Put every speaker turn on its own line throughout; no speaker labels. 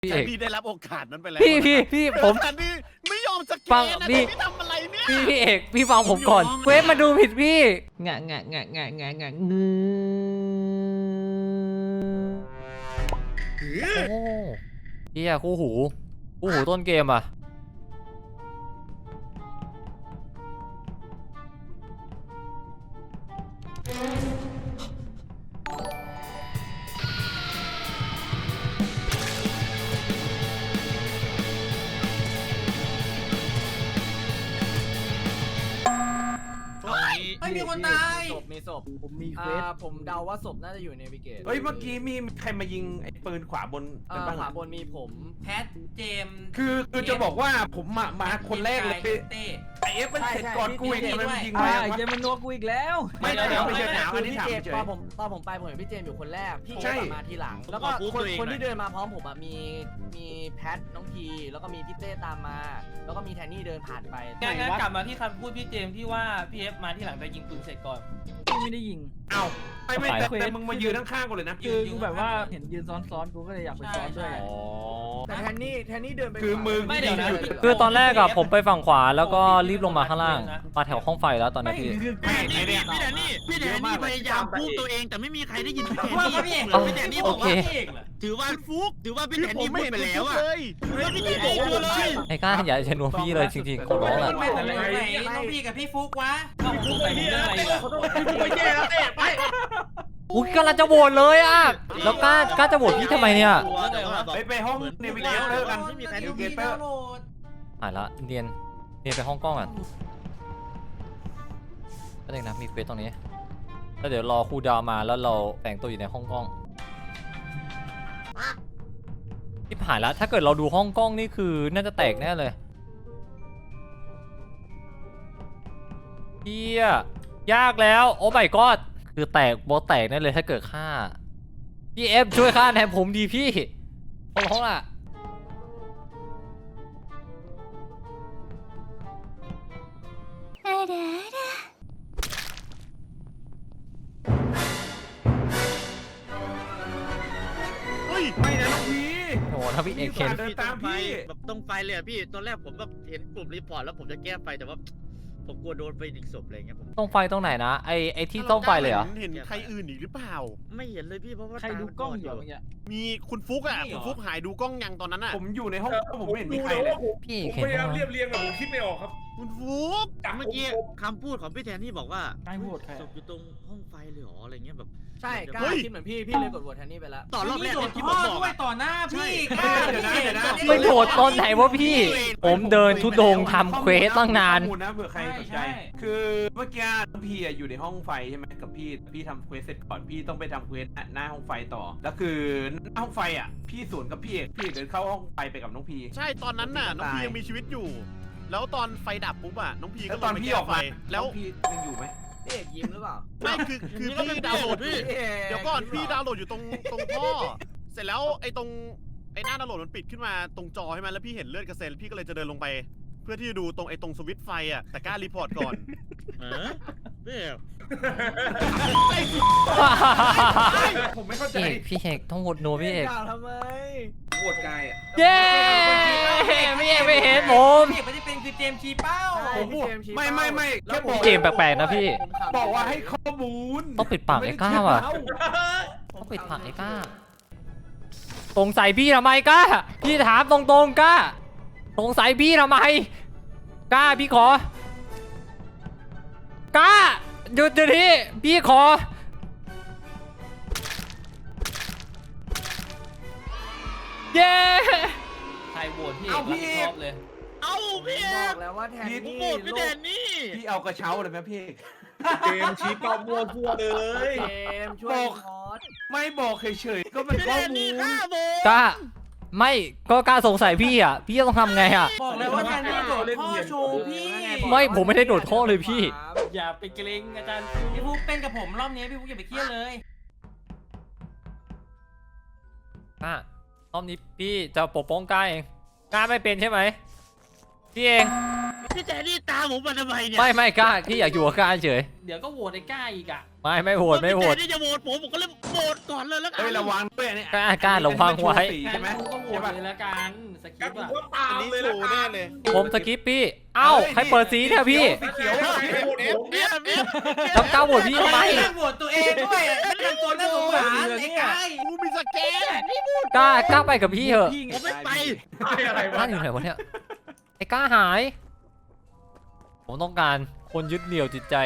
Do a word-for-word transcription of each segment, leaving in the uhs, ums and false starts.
พี่เอก
พี่ได้รับโอกาสนั้นไปแล้ว
พี่พี่พี่ผม
แต่พี่ไม่ยอมสแก
ฟัง
นนะ
พี่
พี่ทำอะไรเนี่ย
พี่พี่เอกพี่ฟังผมก่อน
ผมยอม
เควสมาดูผิดพี่งะงะงะงะงะงะงือโอ้เฮียคู่หูคู่หูต้นเกมอ่ะ
ไม่มีคนตาย
ศพมีศพ
ผมมี
อ่
เควส
าผมเดาว่าศพน่าจะอยู่ในวิกเกต
เฮ้ยเมื่อกี้มีใครมายิงไอ้ปืนขวาบน
อ่า
กันบ้าง
ขวา
อะ
บนมีผม
แพทเจมส์
คือคือจะบอกว่าผมมามาคนแรกเลย
เต้เต้
ไอเอฟมันเสร็จก่อนกูอีกทำไมมันยิง
อ่า
มา
ไอ้เจ
วะ
มมันนัวกูอีกแล้ว
ไม่
เดี๋ยว
ไม่
เดี๋ยว
ใช่
ไม่
ถามอันนี้
คือพี่
ถาม
เจมส์
เฉย
ตอนผมตอนผมไปผมเห็นพี่เจมส์อยู่คนแรกพี่
ใช่
เจมส์มาทีหลัง แล้วก็คนคนที่เดินมาพร้อมผมอะมีมีแพทน้องทีแล้วก็มีพี่เต้ตามมา แล้วก็มีแทนนี่เดินผ่านไป
งั้นงั้นกลับมาที่คำพูดพี่เจมส์ที่ว่าพี่เอฟมาที่หลังแต่ยิงปืนเสร็จก่อน
ไม่ได้ยิง
เอ้าไม่ไม่แต่
ไป
แต่มึงมายืนข้างๆกูเลยนะ
คือกูแบบว่าเห็นยืนซ้อนๆกูก็เลยอยากไปซ้อนด้วย
อ๋อ
แต่แทนนี่แทนนี่เดินไป
คือมึง
ไม่เดี๋ยวนะ
คือตอนแรกอะผมไปฝั่งขวาแล้วก็รีบลงมาข้างล่างมาแถวห้องไฟแล้วตอนนี้พี่
คือ
ไม่ไอ้เนี่ย
พี่แดนนี่พี่แดนนี่พยายามพูดตัวเองแต่ไม่มีใครได้ยินพี่แดน
ว่า
นี่
พี่เอก
เออ
พี่แดนนี่บ
โอ
อก
เค
ว่า
พี่เอกเหรอ
ถือว่าฟุกถือว่าพี่แดนนี่พูดไปแล้วอะ
แล้วพี่เอกบอกว่าเลย
ไอ้ก้าอย่าชนวนพี่เลยจริงๆขอร้องละ
ไม่แต่ไหนน้องพี่กับพี่ฟุกวะ
เอาผมใส่ผมเรื่องอะไรล่ะ
ไม่แย่แล้วเต้ไป
อุ้ยกำลังจะโหวตเลยอ่ะแล้วกล้ากล้าจะโหวตพี่ทำไมเนี่ย
ไปไปห้องเนวิเกเตอร์กัน
ไม่มีใคร
เน
ดู
วิเก
พี่
เตอ
ดาว
ร์
น์โหลด
หายละเรียนเรียนไปห้องกล้องอ่ะก็เองนะมีเควสตรงนี้แล้วเดี๋ยวรอครูดาวมาแล้วเราแต่งตัวอยู่ในห้องกล้องที่ผ่านแล้วถ้าเกิดเราดูห้องกล้องนี่คือน่าจะแตกแน่เลยเฮียยากแล้วโอ้ my god คือแตกบอสแตกแน่เลยถ้าเกิดฆ่าพี่เอฟช่วยฆ่าแทนผมดีพี่ขอร้องล่ะ
เฮ้ย
ไม่นะน้องพี
โอ้ถ้าพี่เอกเห็น
เดินตามพี่
แบบตรงไฟเลยอะพี่ตอนแรกผมแบบเห็นกลุ่มรีพอร์ตแล้วผมจะแก้ไฟแต่ว่าผมกลัวโดนไปอีกศพอะไรเงี้ยผม
ต้องไฟตรงไหนนะไอไอที่ต้องไฟเลยเหรอ
เห็นใครอื่นอีกหรือเปล่า
ไม่เห็นเลยพี่เพราะว่า
ใครดูกล้องอยู่เมื่อกี้
มีคุณฟุกอ่ะคุณฟุกหายดูกล้องยังตอนนั้นอ่ะ
ผมอยู่ในห้องผมไม่เห็นมีใครเลย
พี่
ผม
เห็น
พยายาม
ไหม
เรียบเรียงแต่ผมคิดไม่ออกครับ
คุณฟุก
เมื่อกี้คำพูดของพี่แทนที่บอกว่า
ใครโหวตใคร
ศพอยู่ตรงห้องไฟเลยเหรออะไรเงี้ยแบบ
ใช่กล้าคิดเหมือนพี่พี่เลยกดโหวตแทนนี่ไปแล้ว
ต่อรอบแรก
โด
เลย
น
ที่
พ่
ผ
อ
มบอก
ด้วย
อะ
ต่อหน้าพี่
เดี๋ยวนะเดี๋ยวนะ
ไม่โหวตตอนไหนวะพี่ ผมเดินทุดงค์ทำเควสตั้งนาน
ข้อมูลนะเผื่อใครสนใจ คือเมื่อกี้น้องพีอะอยู่ในห้องไฟใช่ไหมกับพี่พี่ทำเควสเสร็จก่อนพี่ต้องไปทำเควสหน้าห้องไฟต่อแล้วคือหน้าห้องไฟอ่ะพี่สวนกับพี่เอกพี่เอกเดินเข้าห้องไฟไปกับน้องพี
ใช่ตอนนั้นน่ะน้องพียังมีชีวิตอยู่ แล้วตอนไฟดับปุ๊บอ่ะน้องพี
แล้
ก็
วตอน
ลงไป
พี่
แก้
ออก
ไฟ
มา
แล้ว
น้องพียังอยู่ไหม
พี่เอกยิ้มหรือเปล่า
ไม่คือคือพี่ดาวน์โหลดพี่เดี๋ยวก่อนพี่ดาวน์โหลดอยู่ตรงตรงท่อเสร็จแล้วไอ้ตรงไอ้หน้าดาวน์โหลดมันปิดขึ้นมาตรงจอใช่ไหมแล้วพี่เห็นเลือดกระเซ็นพี่ก็เลยจะเดินลงไป เพื่อที่จะดูตรงไอ้ตรงสวิตช์ไฟอ่ะแต่กล้ารีพอร์ตก่อน
เออพี่
ผมไม่เข้าใจ
พี่พี่เอกต้องโหวตโนพี่เอก
ด่าทำไม
ปวดกายอ่ะ
เย้พี่เอกไม่เห็นผม
พี่ไม่ได้เป็นคือเจมส์ชี้เป้า
ผมพูดไม่ไม่ไม่แค่บอก
พี่เจมส์แปลกๆนะพี่
บอกว่าให้ข้อมูล
ต้องปิดปากไอ้ก้าว่ะ ต้องปิดปากไอ้ก้าสงสัยพี่ทำไมก้าพี่ถามตรงๆก้าสงสัยพี่ทำไมก้าพี่ขอก้าหยุดเดี๋ยวนี้พี่ขอเย้
ใครโหวตพี่เอกรับผิดชอบเลย
เอ้าพี่เอ
บอก
ก
แล้วว่าแทน
ผม
นี่
โหวตพี่แทนนี่
พี่เอากระเช้าเลยไหมพี่
เกมชี้เป้ามั่วทั่วเลย
เกมช่วยพอด
ไม่บอกเฉยๆก็เป็น
พี่
ข้
แท
อน มู
นี่
ล
ฆ่าผม
ก้าไม่ก็กล้าสงสัยพี่อ่ะพี่จะต้องทำไงอ่ะ
บอกเลยว่าแทนนี่โดดพ่อโชว์พี่
ไม่ผมไม่ได้โดดท่อเลยพี่
อย่าไปเกรงอาจารย์
พี่ฟุกเป็นกับผมรอบนี้พี่ฟุกอย่าไปเครียดเลย
อ่ะรอบนี้พี่จะปกป้องก้าเองก้าไม่เป็นใช่ไหมพี่เอง
พี่แทนนี่ตามผมมาทำไมเนี่ย
ไม่ไม่กล้าพี่อยากอยู่กับกล้าเฉย
เดี๋ยวก็โหวตไอ้ก้าอีกอ่ะ
ไม่ไม่โหวตไม่โหวต
พี่แทนนี่จะโหวตผมผมก็เลยโหวตก่อนเลยแล้วกั
เฮ้ยระวังด้วยเนี่ย
กล้ากล้าระวังไว้
งั้
ใช่
น
ไหม
กูก็โหวตเลยละกันสคริ
กั
ป
น
ต์อ่ะ
ก็ตา
อัน
ม
นี้
เลย
โช
ละ
ว์
กั
แน่
น
เลย
ผมสกิปปี้เอ้าใครเปิดสีเนี่ยพี่
เขียว
เนี่ยพี่
แล้วกล้าโหวตพี่ทำไม
โหวตตัวเองด้วยไม่ทำตัวน่าสงสารไอ้กาย
กูมีสแกนนี่
กล้ากล้าไปกับพี่เถอะ
ผมไม่ไป
อะไร
กล้าว
ะ
อยู่ไหนวะเนี่ยไอ้กล้าหาย ผมต้องการคนยึดเหนี่ยวจิตใจ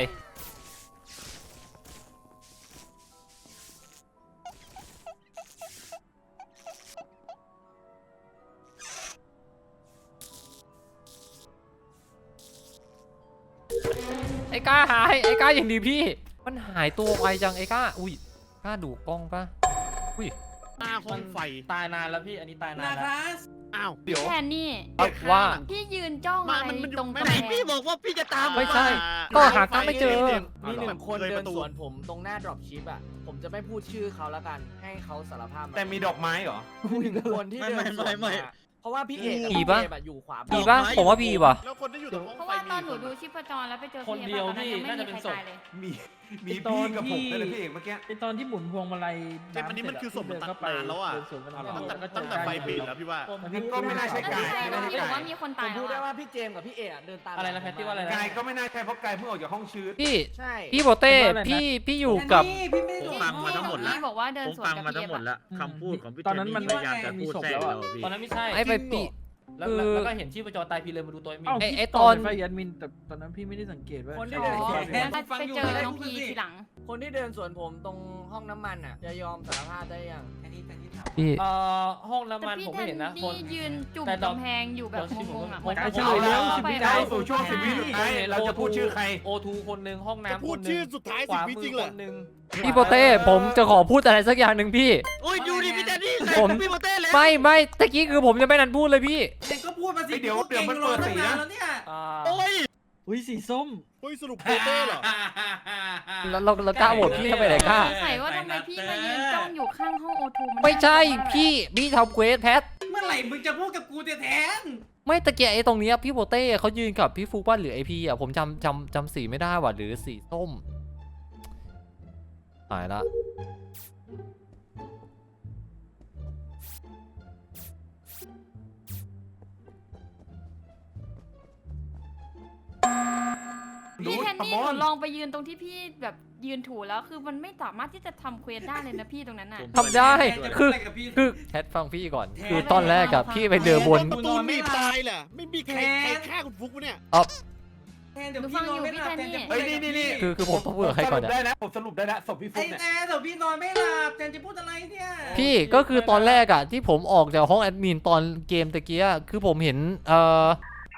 ไอ้กล้าหายไอ้กล้าอย่างดีพี่ มันหายตัวไวจังไอ้กล้าอุ้ยกล้าดูกล้องปะอุ้ย
หน้าห้องไฟ
ตายนานแล้วพี่อันนี้ตายนาน
นะ
แล้ว
ครัส
อ้าว
เดี๋ยว
แทนนี่
เอาว่า
พี่ยืนจ้อง
มา
อะไร
มันมันอยู่
ตรง
ไม่
กำ
ไหน
แพ
พี่
ง
บอกว่าพี่จะตาม
ไม่ใช่
ก็
ก็หากันไม่เจอ
มีหนึ่งคนเดินสวนผมตรงหน้า drop ship อ่ะ ผมจะไม่พูดชื่อเขาแล้วกัน ให้เขาสารภาพา
แต่มีดอกไม้เหรอ
หนึ่งคนที่เดินสวนมาเพราะว่าพี่เอกกับ
ผี
พี่
ปะ
เจมส์อะอยู่ขวา
พี่ปะผมว่าพี่ปะ
แล้วคนที่อยู่ตรงห้อง
เพราะ
ไฟ
ว่าตอนห
มี
นูดูชีพจรแล้วไปเจอ
คน
พี่
เดียว
ตอนนั้น
พี่
ยังไม่
น่าจะ
มี
เป็น
ใคร
ศพ
ตายเลย
มีมี
ไอ้ตอน
พี่กับผม
ที่
นั่นแหละพี่เอกเมื่อกี้
ไอตอนที่หมุนพวงมาลัย
เจมส์อันนี้มันคือศพมันตัด
เดิเข้ไป
นานแล้วอะ
เดินสวนกัน
ตั้งแต่
ก็เจอ
ตั้งแต่ไฟปิดแล้วพี่ว่า
งั้นก็ไม่น่าใช่
นั่น
กาย
ไม่ใช่
ไม่
ว่า
น่า
พี่
ใช่
บอก
กา
ว่าย มีคน
ผ
ตาย
มพูด
แล้
ได้
ว
ว่า
อะ
พี่เจมส์กับพี่เอกอะเดินตาม
อะไรนะแพทตี้ว่าอะไรนะ
กายก็ไม่น่าใช่เพราะกายเพิ่งออกจากห้องชืด
พี่
ใช่
พี่โบเต้พี่พี่อยู่กับ
พี่ไม่
ผม
ได้
ฟังมาทั้งหมดแล้ว
พี่บอกว่าเดิน
ผม
สวน
ฟัง
กับ
มา
พี่
ทั้งหมด
เอฟ
แล้วคำพูดของพี่
ตอนนั้นมัน
พยายามจะพูดแทรกเราพี่
ตอนนั้นไม่ใช่
ไอ้ไปปี
แล้ว
คือ
แล้วก็เห็นชีพจรตายพี่เลยมาดูตัวไอ้มิน
ไอ้ไอ้ตอน
ไฟแอดมินแต่ตอนนั้นพี่ไม่ได้สังเกตว่า
คนที่
ใคร
เดินสวน
แทน
ไปเจอน้องพีทีหลัง
คนที่เดินสวนผมตรงห้องน้ำมันอ่ะ จะยอมสารภาพได้ยัง
แทนนี่แทนนี่ถาม
พี่
เอ่อห้องน้ำ
แต่
มัน
พี่
ผม
แท
ไม่
น
เห็นนะคน
นี่ยืนจุ่ม
แต่ตอน
กำแพงอยู่แบบงงๆอ่ะ
ผม
เหมือน
ผม
เขา
แล้ว
เข้าไป
กาย
เอา
สู่ช่วงสิบวิสุดท้ายเราจะพูดชื่อใคร
โอทูคนหนึ่งห้อง
จะ
น้ำ
พู
ค
ด
นหนึ่
ชื่อง สุดท้าย
ข
สิบ
วา
วิ
มื
จริ
อง
เหร
ค
อน
หนึ่ง
พี่โบเต้ผมจะขอพูดอะไรสักอย่างหนึ่งพี่
โอ้ยดูดิพี่แทนนี่ใส่
ผม
พี่โมเต้แล้ว
ไม่ไม่ตะกี้คือผมจะไม่นันพูดเลยพี่
เด็กก็พูดมาสิ
เดี๋ยวเดี๋ยวมันเปิดสีนะ
แล้วเนี่ย
อ่า
โอ้ย
อุ้ยสีส้ม
เฮ้ยสรุปโปเต้เหรอ
แล้วเราเรากล้าโหวตพี่ทำไมไหนกล้า
สงสัยว่าทำไมพี่มายืนจ้องอยู่ข้างห้องโอทูมัน
ไม่ใช่
น่ากลัวมาก
พี่พี่ทำเควสแพท
เมื่อไหร่มึงจะพูดกับกูแทน
ไม่ตะเกียไอ้ตรงเนี้ยพี่โบเต้เขายืนกับพี่ฟูป้าหรือไอพีอ่ะผมจำจำจำสีไม่ได้ว่ะหรือสีส้มหายละ
พี่แทนนี่หนูลองไปยืนตรงที่พี่แบบยืนถูแล้วคือมันไม่สามารถที่จะทำเควสได้เลยนะพี่ตรงนั้นน่ะ
ทำได้
ๆ
คือ
จะพูดะไรกับพี่
คือแพทฟังพี่ก่อน
แทน
คือตอนแรกอะพี่ไปเดินบน
ประตูหนีบตายแหละไม่มีใครใครฆ่าคุณฟุกวะเนี่ย
แทนเดี๋ยวพี่นอนไม่หลับแทนจะพูด
เฮ้ย
อะไร
นี่
กับ
นี่
พี่
นี่
คือคือผมต้องพูดกับใครก่อน
ผมสรุป
อะ
ได้นะผมสรุปได้นะศพพี่ฟุ
ไอ้
กเนี่ย
แทนเดี๋ยวพี่นอนไม่หลับแทนจะพูดอะไรเนี่ย
พี่ก็คือตอนแรกอะที่ผมออกจากห้องแอดมินตอนเกมตะเกียอะคือผมเห็นเอ่อ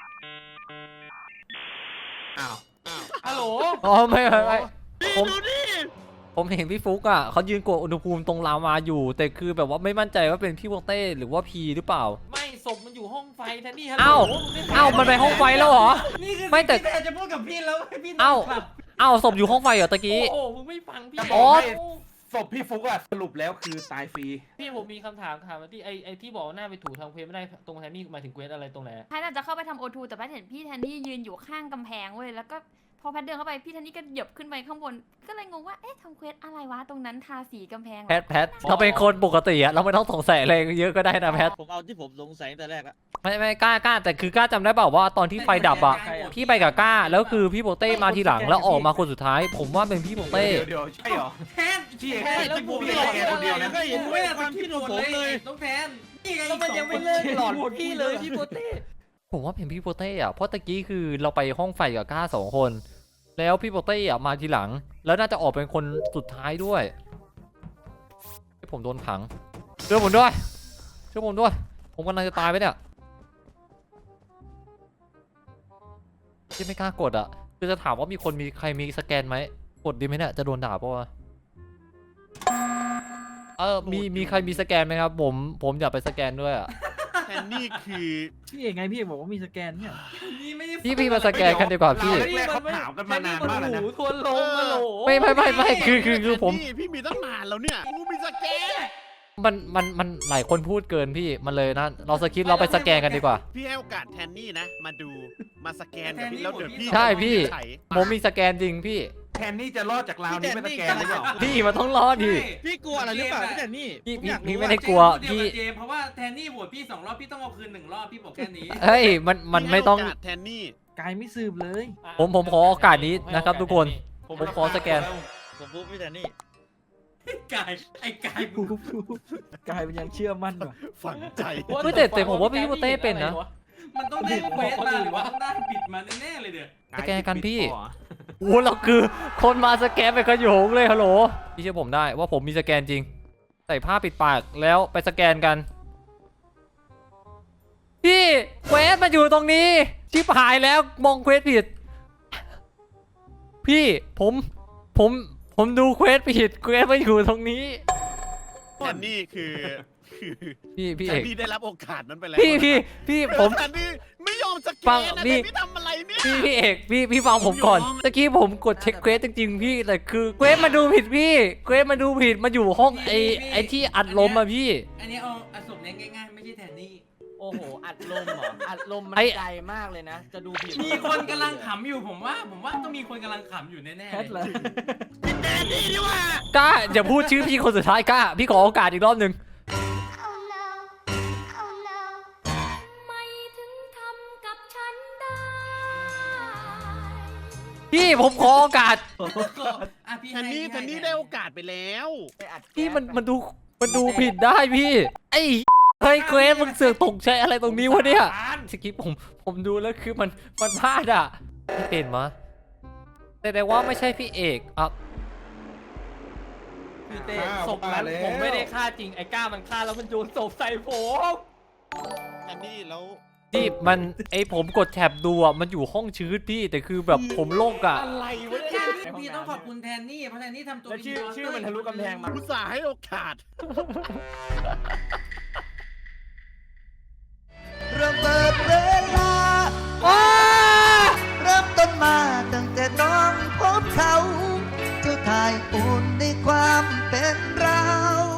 อ้าว
ฮัลโหล
อ๋อไม่ไม่ไม่
นี่
ผม
ดูดิ
ผมเห็นพี่ฟุกอ่ะเขายืนกดอุณหภูมิตรงลาวาอยู่ แต่คือแบบว่าไม่มั่นใจว่าเป็นพี่โบเต้หรือว่าพีหรือเปล่า
ไม่ศพมันอยู่ห้องไฟแทนนี่
เอ้า เอ้ามันไปห้องไฟแล้วเหรอ
นี่คือ
ไม่แต่
สิ่งที่แทนจะพูดกับพี่แล้วให้พี่นอ
เอ้า
นหลับ
เอ้าศพอยู่ห้องไฟเหรอตะกี้
โอ้โหมึงไม่ฟังพี่
จะบ
โอ๊
อก
ย
ให้ศพพี่ฟุกอะสรุปแล้วคือตายฟรี
พี่ผมมีคำถามถามว่าที่ไอไอที่บอกว่าหน้าไปถูทำเควสไม่ได้ตรงแทนนี่หมายถึงเควสอะไรตรงไหน
แพทย์อาจจะเข้าไปทำโอทูแต่แพทย์เห็นพี่แทนนี่ยืนอยู่ข้างกำแพงเว้ยแล้วก็พอแพทย์เดินเข้าไปพี่แทนนี่ก็เหยียบขึ้นไปข้างบนก็เลยงงว่าเอ๊ะทำเควสอะไรวะตรงนั้นทาสีกำแพงเหรอ
แพทแพทเราเป็นคนปกติอะเราไม่ต้องสงสัยอะไรเยอะก็ได้นะแพท
ผมเอาที่ผมสงสัยตั้งแต่แรกละ
ไม่ไม่กล้ากล้าแต่คือกล้าจำได้เปล่าว่าตอนที่ไฟดับอะพี่ไปกับกล้าแล้วคือพี่โบเต้มาทีหลังแล้วออกมาคนสุดท้าย ผมว่าเป็นพี่โบเต้
เดี๋ยวเดี๋ยวใช่เหรอ
แทน
พี่เอก
แทน
พี่ฟุกพี่เอกแกคนเดียวนะ
ก็เห็น
ผม
ไม่
ไม่
ได้
ได้
ความคิดของผมเลย
น้องแทนนี่ไง
แล้วมันยังไม่เลิกหลอนพี่เลยพี่โบเต้
ผมว่าเป็นพี่โบเต้อะเพราะตะกี้คือเราไปห้องไฟกับกล้าสองคน แล้วพี่โบเต้อะมาทีหลัง แล้วน่าจะออกเป็นคนสุดท้ายด้วยให้ผมโดนขังช่วยผมด้วยช่วยผมด้วย ผมกำลังจะตายไปเนี่ยที่ไม่กล้ากดอะคือจะถามว่ามีคนมีใครมีสแกนไหมกดดีไหมเนี่ยจะโดนด่าปะวะเออมีมีใครมีสแกนไหมครับ ผมผมอยากไปสแกนด้วยอะ
แทนนี่คือ
พี่เอกไงพี่เอกบอกว่ามีสแกนเนี่ย
นี่ไม่ได้
พี่พี่มาสแกนกันดีกว่าพี่
เราแรกๆเขาถามกันมานานมากแล้วนะ
หูทวนลงมาโหล
ไม่ไม่ไม่ไม่คือคือคือผม
แทนนี่พี่มีตั้งนานแล้วเนี่ยกูมีสแกน
มันมันมันหลายคนพูดเกินพี่มันเลยนะเราสคิปเราไปสแกนกันดีกว่า
พี่ให้โอกาสแทนนี่นะ มาดูมาสแกนกับพี่แล้วเดี๋ยวพี่
ใช่พี่
ไข
ผมมีสแกนจริงพี่
แทนนี่จะรอดจากราวนี้ไม่ตะแกรงหรือเปล่า
พี่มันต้องรอดดิ
พี่กลัวอะไรหรือเปล่าพี่แทนนี่
พี่
ผม
พี่
อยาก
พี่
รู้
ไม่
ว่า
ได้กลัว
เจมส์
พี่
กับเจมส์เพราะว่าแทนนี่โหวตพี่สองรอบพี่ต้องเอาคืนหนึ่งรอบพี่บอกแค่นี้
เฮ้ยมันมันไม่ต้อง
พี่ให้โกาสแทนนี่
กายไม่สืบเลย
ผมผมขอโอกาสนี้นะครับทุกคน ผมขอสแกน
ผมพูดพี่แทนนี่
กายไอ้กายมึง
กายมันยังเชื่อมั่นกว่า
ฝังใจ
เฮ้ยแต่แต่ผมว่าพี่โปเต้เป็นนะ
มันต้องได้เควสมาหรือว่าต้องได้บิดมาแน่ๆเลยเดี๋ยว
สแกนกันพี่ โอ้เราคือคนมาสแกนไปขโยงเลยฮัลโหลพี่เชื่อผมได้ว่าผมมีสแกนจริง ใส่ผ้าปิดปากแล้วไปสแกนกัน พี่เควสมันอยู่ตรงนี้ ชิบหายแล้วมองเควสผิด พี่ผมผมผมดูเควสผิดเควสมันอยู่ตรงนี้
แทนนี่คือคือ
พี่พี่
แท
เอน ก
นี่ได้รับโอกาสนั้นไปแล้ว
พี่พี่พี่ผม
แทนนี่ไม่ยอมสแก
ฟัง
นนะ
นี่
แต่พี่ทำอะไรเนี่ย
พี่พี่เอกพี่พี่ฟังผมก่อนตะกี้ผมกดเช็คเควสจริงๆพี่แต่คือเควสมาดูผิดพี่เควสมาดูผิดมาอยู่ห้องไอไอที่อัดลมอะพี่
อันนี้เอาเอาศพเนี้ยง่ายๆไม่ใช่แทนนี่
โอ้โห อัดลมเหรอ อัดลมมัน
ไอ้
ไกลมากเลยนะ จะดูผิด
มีคนกำลังขำอยู่ผมว่า ผมว่าต้องมีคนกำลังขำอยู่แน่
แพท
ๆ
เล
เลย
ย
แทนนี่ดีกว่า
กล้าอย่าพูดชื่อพี่คนสุดท้ายกล้าพี่ขอโอกาสอีกรอบหนึ่ง
ไม่ถึงทำกับฉันได้
พี่ผมขอโอกาส
อ่ะพี่
แทนนี่
ให้
แทนนี่ได้โอกาสไปแล้ว
ไปอัด
พี่
แก๊ส
มัน
ไป
มันดูมันดูผิดได้พี่ไอ้เฮ้ยเควสมึงเสือกตกใจอะไรตรงนี้วะเนี่ยสกิปผมผมดูแล้วคือมันมันพลาดอ่ะพี่เป็นมะแต่แต่ว่าไม่ใช่พี่เอกอ่ะ
พี่เต้ศพนั้นผมไม่ได้ฆ่าจริงไอ้ก้ามันฆ่าแล้วมันโยนศพใส่ผม
แทนนี่แล้ว
ที่มันไอผมกดแท็บดูอ่ะมันอยู่ห้องชื้นพี่แต่คือแบบผมโลกอ่ะ
อะไรวะเนี่ยพี่ต้องขอบคุณแทนนี่เพราะแทนนี่ทำตัว
แล้วชื่อ
เป็น
ชื่อมันทะลุกำแพงมา
อุตส่าห์ให้โอกาส
เริ่มเปิดเวลาเริ่มต้นมาตั้งแต่น้องพบเขา เจ้าทายอุ่นในความเป็นเรา